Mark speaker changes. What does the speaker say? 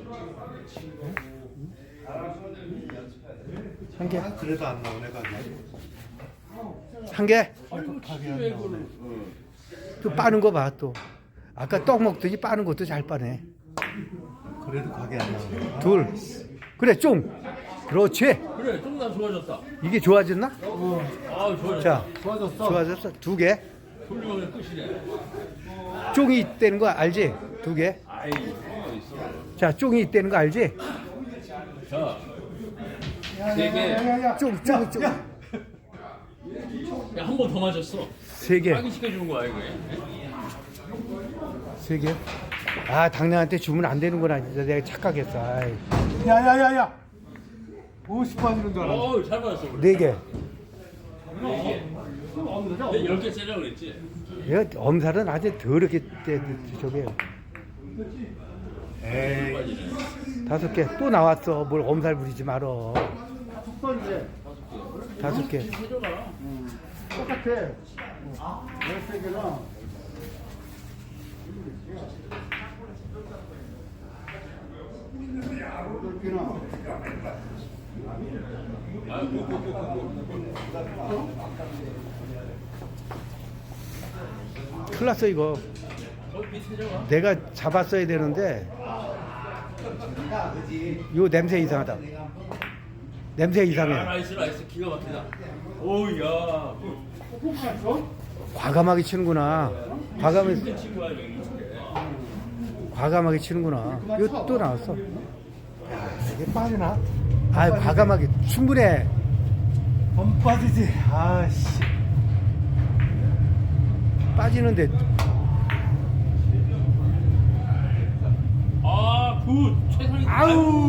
Speaker 1: 한 개.
Speaker 2: 그래도 안 나오네 가게.
Speaker 1: 한 개.
Speaker 2: 가게 안 나오네.
Speaker 1: 또 빠는 거 봐 또. 아까 떡 먹더니 빠는 것도 잘 빠네.
Speaker 2: 그래도 가게 안 나오네.
Speaker 1: 둘. 그래 쫑. 그렇지.
Speaker 3: 그래, 좀 더 좋아졌다.
Speaker 1: 이게 좋아졌나?
Speaker 3: 아, 좋아졌다.
Speaker 1: 자,
Speaker 2: 좋아졌어.
Speaker 1: 좋아졌어. 두 개.
Speaker 3: 훌륭한 끝이네.
Speaker 1: 쫑이 있다는 거 알지? 두 개.
Speaker 3: 아이, 뭐가 있어.
Speaker 1: 자, 쫑이 있다는 거 알지?
Speaker 3: 자, 세 개.
Speaker 1: 쫑.
Speaker 3: 야, 한 번 더 맞았어.
Speaker 1: 세 개.
Speaker 3: 확인시켜주는 거야, 이거.
Speaker 1: 세 개. 아, 당나한테 주면 안 되는구나. 진짜 내가 착각했어. 아이.
Speaker 2: 야야야야. 50번이는 줄 알았어.
Speaker 3: 어우, 잘 맞았어. 그래.
Speaker 1: 네 개.
Speaker 3: 네 개. 10개 세려고 그랬지?
Speaker 1: 얘 엄살은 아주 더럽게 저게
Speaker 2: 에이.
Speaker 3: 빠지네.
Speaker 1: 다섯 개 또 나왔어. 뭘 엄살 부리지 말어. 다섯 개.
Speaker 3: 해줘라.
Speaker 2: 똑같아. 13개나.
Speaker 1: 큰일 났어 이거.
Speaker 3: 거기 밑에 해줘라.
Speaker 1: 내가 잡았어야 되는데 요 냄새 이상하다. 냄새
Speaker 3: 아,
Speaker 1: 이상해.
Speaker 3: 나이스, 기가 막히다. 오우, 야.
Speaker 1: 과감하게 치는구나.
Speaker 3: 이렇게 친 거야, 여기.
Speaker 1: 과감하게 치는구나. 이거 또 나왔어.
Speaker 2: 이게 빠지나?
Speaker 1: 아, 과감하게 충분해.
Speaker 2: 안 빠지지. 아씨.
Speaker 1: 빠지는데
Speaker 3: 아, 굿. 최상위.
Speaker 1: 아우